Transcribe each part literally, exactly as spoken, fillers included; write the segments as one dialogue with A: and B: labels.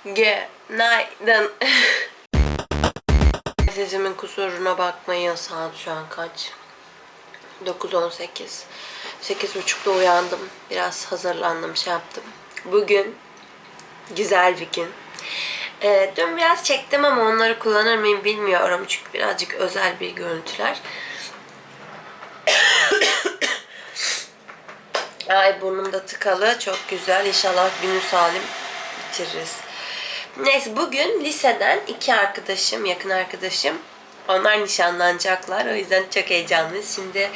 A: Günaydın. Sesimin kusuruna bakmayın. Saat şu an kaç? dokuz on sekiz. sekiz buçukta uyandım. Biraz hazırlandım, şey yaptım. Bugün güzel bir gün. Ee, dün biraz çektim ama onları kullanır mıyım bilmiyorum. Çünkü birazcık özel bir görüntüler. Ay, burnum da tıkalı. Çok güzel. İnşallah günü salim bitiririz. Neyse, bugün liseden iki arkadaşım, yakın arkadaşım, onlar nişanlanacaklar. O yüzden çok heyecanlıyız. Şimdi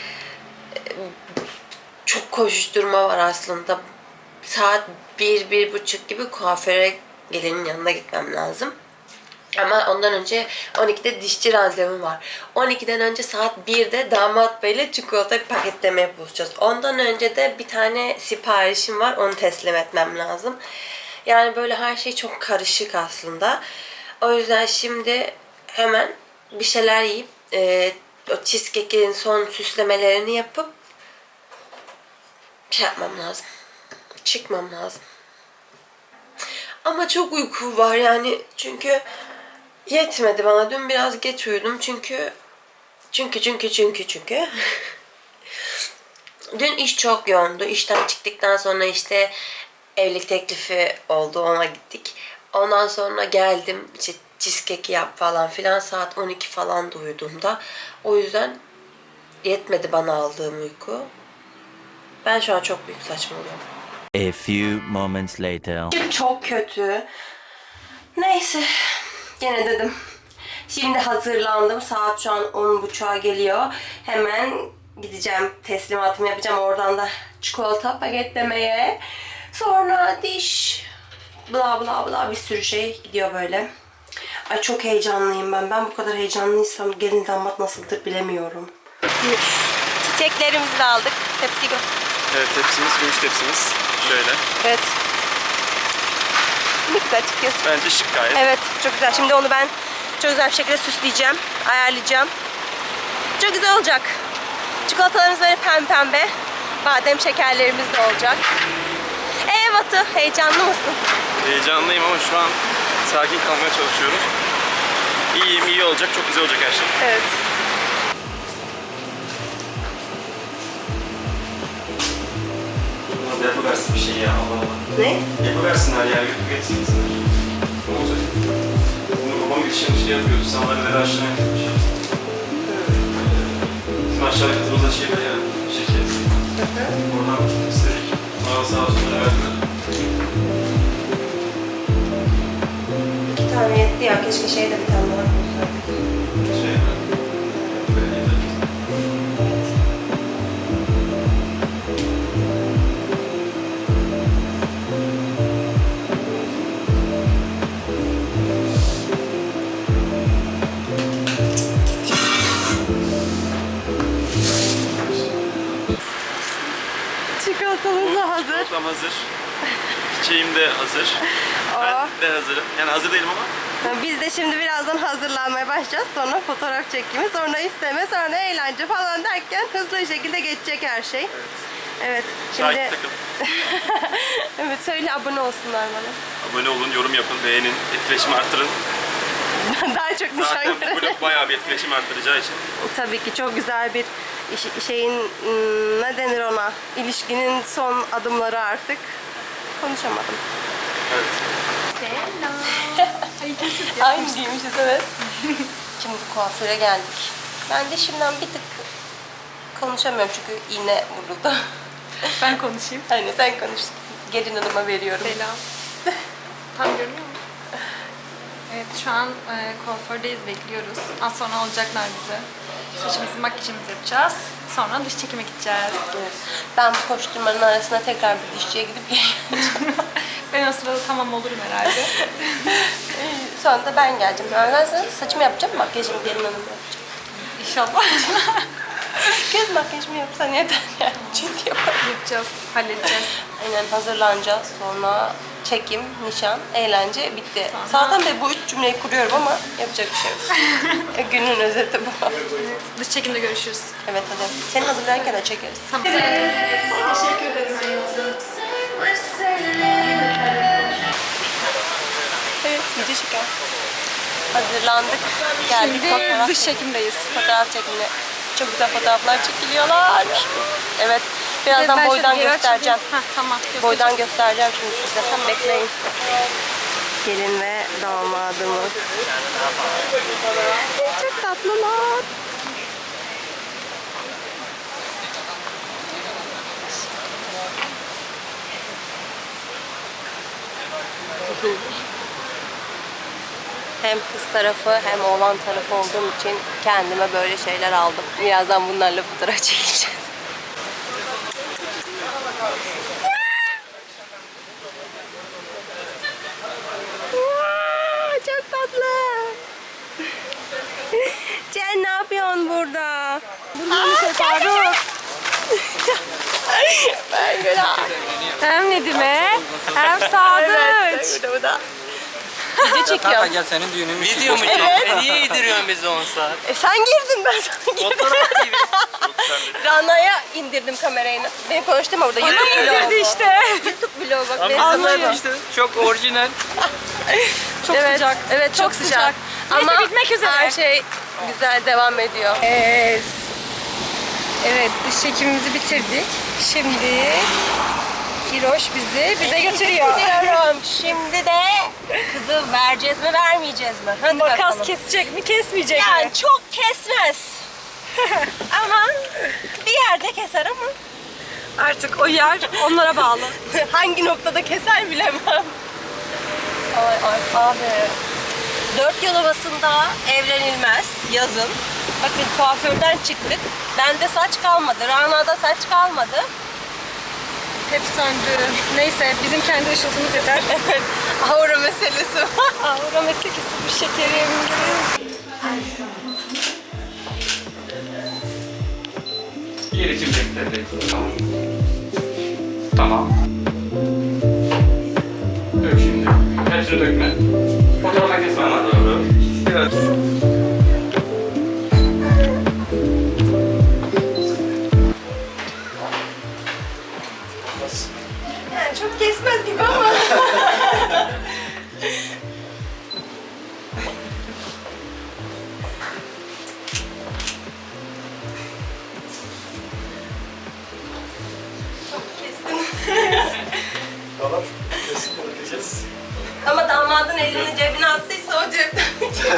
A: çok koşuşturma var aslında. Saat bir, bir buçuk gibi kuaföre gelinin yanına gitmem lazım. Ama ondan önce on ikide dişçi randevum var. on ikiden önce saat birde damat beyle çikolata paketlemeye buluşacağız. Ondan önce de bir tane siparişim var. Onu teslim etmem lazım. Yani böyle her şey çok karışık aslında. O yüzden şimdi hemen bir şeyler yiyip e, o cheesecake'in son süslemelerini yapıp şey yapmam lazım. Çıkmam lazım. Ama çok uyku var yani, çünkü yetmedi bana. Dün biraz geç uyudum çünkü çünkü çünkü çünkü çünkü dün iş çok yoğundu. İşten çıktıktan sonra işte evlilik teklifi oldu, ona gittik. Ondan sonra geldim, işte cheesecake yap falan filan, saat on iki falan da uyuduğumda. O yüzden yetmedi bana aldığım uyku. Ben şu an çok büyük saçmalıyorum.
B: A few moments later.
A: Çok kötü. Neyse, gene dedim. Şimdi hazırlandım. Saat şu an on buçuğa geliyor. Hemen gideceğim, teslimatımı yapacağım. Oradan da çikolata paketlemeye. Sonra diş, bla bla bla, bir sürü şey gidiyor böyle. Ay, çok heyecanlıyım ben. Ben bu kadar heyecanlıysam gelin damat nasıldır bilemiyorum. Çiçeklerimizi de aldık. Tepsi gö.
C: Evet, tepsimiz, gümüş tepsimiz. Şöyle.
A: Evet. Ne güzel çıkıyorsun.
C: Bence şık gayet.
A: Evet, çok güzel. Şimdi onu ben çok güzel bir şekilde süsleyeceğim, ayarlayacağım. Çok güzel olacak. Çikolatalarımız böyle pembe pembe. Badem şekerlerimiz de olacak. Ee Batu, heyecanlı mısın?
C: Heyecanlıyım ama şu an sakin kalmaya çalışıyorum. İyiyim, iyi olacak, çok güzel olacak her şey.
A: Evet.
C: Buna da yapıversin bir şey ya, Allah Allah.
A: Ne?
C: Yapıversinler ya, YouTube geçsinler. Ne olacak? Bunu babam geçen şey yapıyordu, sandalyeleri aşağı yapmış. Bizim aşağı katımızda şey var ya, şeker. Oradan istedik. Bana sağ olsunlar verdiler.
A: İki tane yetti ya, keşke şey de bir tane daha koysaydık.
C: Şey mi? Böyle yeter.
A: Çikolatamız da hazır.
C: Çikolatam hazır. Çiçeğim de hazır.
A: Oh.
C: Ben de hazırım. Yani hazır değilim ama.
A: Biz de şimdi birazdan hazırlanmaya başlayacağız. Sonra fotoğraf çekimi, sonra isteme, sonra eğlence falan derken hızlı bir şekilde geçecek her şey.
C: Evet.
A: Evet.
C: Şahit
A: Şimdi
C: takım.
A: evet, söyle, abone olsunlar bana.
C: Abone olun, yorum yapın, beğenin, etkileşimi arttırın.
A: Daha çok nişan
C: Zaten bu
A: görelim.
C: vlog bayağı bir etkileşim arttıracağı için.
A: Tabii ki çok güzel bir iş- şeyin, ım, ne denir ona, ilişkinin son adımları artık. Konuşamadım.
C: Evet.
A: Aynı giymişiz, evet. Şimdi kuaföre geldik. Ben de şimdiden bir tık konuşamıyorum çünkü iğne vuruldu.
D: Ben konuşayım.
A: Hani sen konuş. Gelin hanıma veriyorum.
D: Selam. Tam görünüyor mu? Evet, şu an e, kuafördeyiz, bekliyoruz. Az sonra alacaklar bizi. Saçımızı, makyajımızı yapacağız. Sonra dış çekime gideceğiz.
A: Evet. Ben bu koşturmanın arasında tekrar bir dişçiye gidip geleceğim.
D: Ben o sırada tamam olurum herhalde.
A: Sonra da ben geleceğim. Ben sana saçımı yapacağım, makyajımı gelin hanıma yapacağım.
D: İnşallah.
A: Göz makyajımı yapsan yeter yani. Çünkü yaparım.
D: Yapacağız, halledeceğiz.
A: Aynen, hazırlanacağız. Sonra çekim, nişan, eğlence bitti.
D: Sonra-
A: Zaten de bu üç cümleyi kuruyorum ama yapacak bir şey yok. Günün özeti bu.
D: Evet, dış çekimde görüşürüz.
A: Evet, hadi. Seni hazırlarken de çekeriz.
D: Tamam. Teşekkür ederim.
A: video çekiyor. Hazırlandık. Geldik
D: Şimdi
A: fotoğraf,
D: dış çekimdeyiz.
A: fotoğraf çekimine. Çok güzel fotoğraflar çekiliyorlar. Evet. Birazdan
D: Ben
A: boydan
D: şöyle geri
A: göstereceğim.
D: açayım. Heh, tamam.
A: Boydan göstereceğim şimdi size. Tam bekleyin. Gelin ve damadımız. Çok tatlılar. Hem kız tarafı hem oğlan tarafı olduğum için kendime böyle şeyler aldım. Birazdan bunlarla fotoğraf çekeceğiz. Çok tatlı. Cen ne yapıyorsun burada? Aa, Faruk. Ben günah.
D: Hem Nedim'e hem Sadıç.
A: Evet, bu da. Video çekiyorum.
E: Gel senin düğünün.
F: Video mu çekiyorsun? E niye yediriyorsun bizi on saat?
A: E sen girdin, ben sana girdim.
F: Fotoğraf T V.
A: Rana'ya indirdim kamerayı. Beni konuşturma burada. YouTube vlogu.
D: İndirdi işte.
A: YouTube vlogu bak. benim
F: Anlayın
A: zamanım.
F: işte. Çok orijinal.
D: Çok
A: Evet,
D: sıcak.
A: evet çok,
D: Çok
A: sıcak.
D: sıcak. Neyse,
A: Ama
D: bitmek üzere.
A: her şey güzel devam ediyor.
D: Evet. Evet, dış çekimimizi bitirdik. Şimdi Hiroş bizi bize götürüyor.
A: Diyorum. Şimdi de kızı vereceğiz mi vermeyeceğiz mi? Hadi
D: Makas
A: bakalım.
D: kesecek mi kesmeyecek mi?
A: Yani çok kesmez. Ama bir yerde keser ama
D: Artık o yer onlara bağlı.
A: hangi noktada keser bilemem. Ay ay abi. Dört yol havasında evlenilmez yazın. Bakın kuaförden çıktık. Bende saç kalmadı. Rana'da saç kalmadı.
D: Hep söndü. Neyse bizim kendi ışıltımız yeter.
A: Aura meselesi var.
D: Aura meselesi bu şekerim.
C: Yer için bekle. Tamam. Tamam. Dök şimdi. Hepsini dökme. Fotoğrafa kesme ama. Doğru. Evet.
A: Yani çok kesmez gibi ama.
C: Tamam. Kesin bakacağız.
A: Ama damadın elini cebine attıysa o cepten.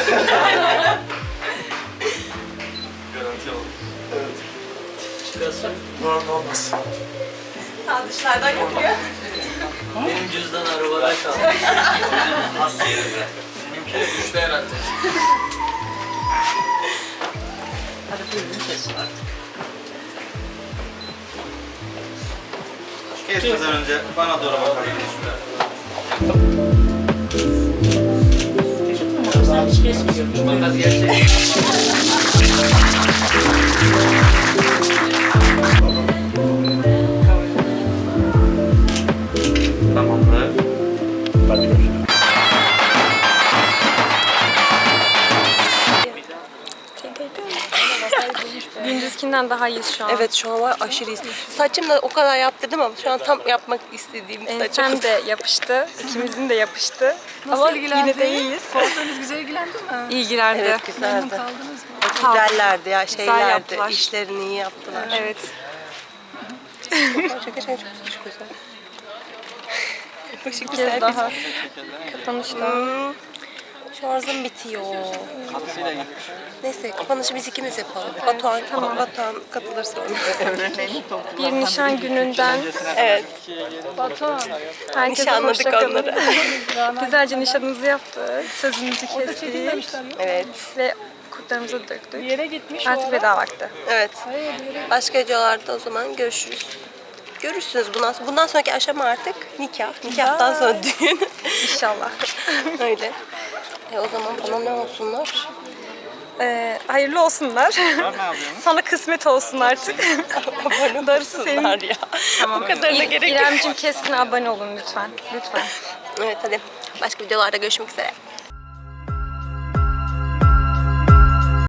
C: Garanti alalım. Evet. Çıkarsa normal olmaz.
A: Sağ dışlardan yapıyor.
F: Benim cüzdan arabada kaldı. Nasıl yerinde? Benimki de düştü herhalde. Hadi buyurun kesin artık.
E: Kesmeden önce bana doğru bakabilir.
F: Sen hiç kesmiyormuş. Makas gerçekten.
E: Tamamdır. Hadi görüşürüz.
D: Gündüzkinden daha iyiyiz şu an.
A: Evet şu an var aşırıyız. Saçım da o kadar yaptırdım ama şu an tam yapmak istediğim saçım.
D: Ensem de yapıştı. İkimizin de yapıştı. Ama yine de iyiyiz.
G: Kuaförünüz güzel ilgilendi mi?
D: İlgilendi.
A: Evet güzeldi.
G: Kaldınız mı?
A: Güzellerdi ya şeylerdi.
D: yaptılar.
A: İşlerini iyi yaptılar.
D: Evet.
A: Gerçekten çok çok güzel. Başı
D: Bir
A: güzel.
D: kez daha kapanışta.
A: Hmm. Şarjım bitiyor. Neyse kapanışı biz ikimiz yapalım. Batuhan, tamam. Batuhan katılır sonra.
D: Bir nişan gününden
A: Evet.
D: Batuhan. Herkese
A: Nişanladık
D: hoşça kalın.
A: onları.
D: Güzelce nişanımızı yaptık. Sözümüzü kestik.
A: Evet.
D: Ve kurtlarımızı döktük.
G: Yere gitmiş o
D: Artık
G: ara.
D: veda vakti.
A: Evet. Başka videolarda o zaman görüşürüz. Görürsünüz bundan sonra. Bundan sonraki aşama artık nikah. Nikahtan sonra düğün.
D: İnşallah.
A: Öyle. E o zaman bana ne olsunlar?
D: Ee, hayırlı olsunlar. Sana kısmet olsun artık.
A: Abone
D: Darısı
A: olsunlar ya.
D: Tamam.
A: Bu kadarına gerek yok.
D: İremciğim keskin abone olun lütfen. Lütfen.
A: Evet hadi. Başka videolarda görüşmek üzere.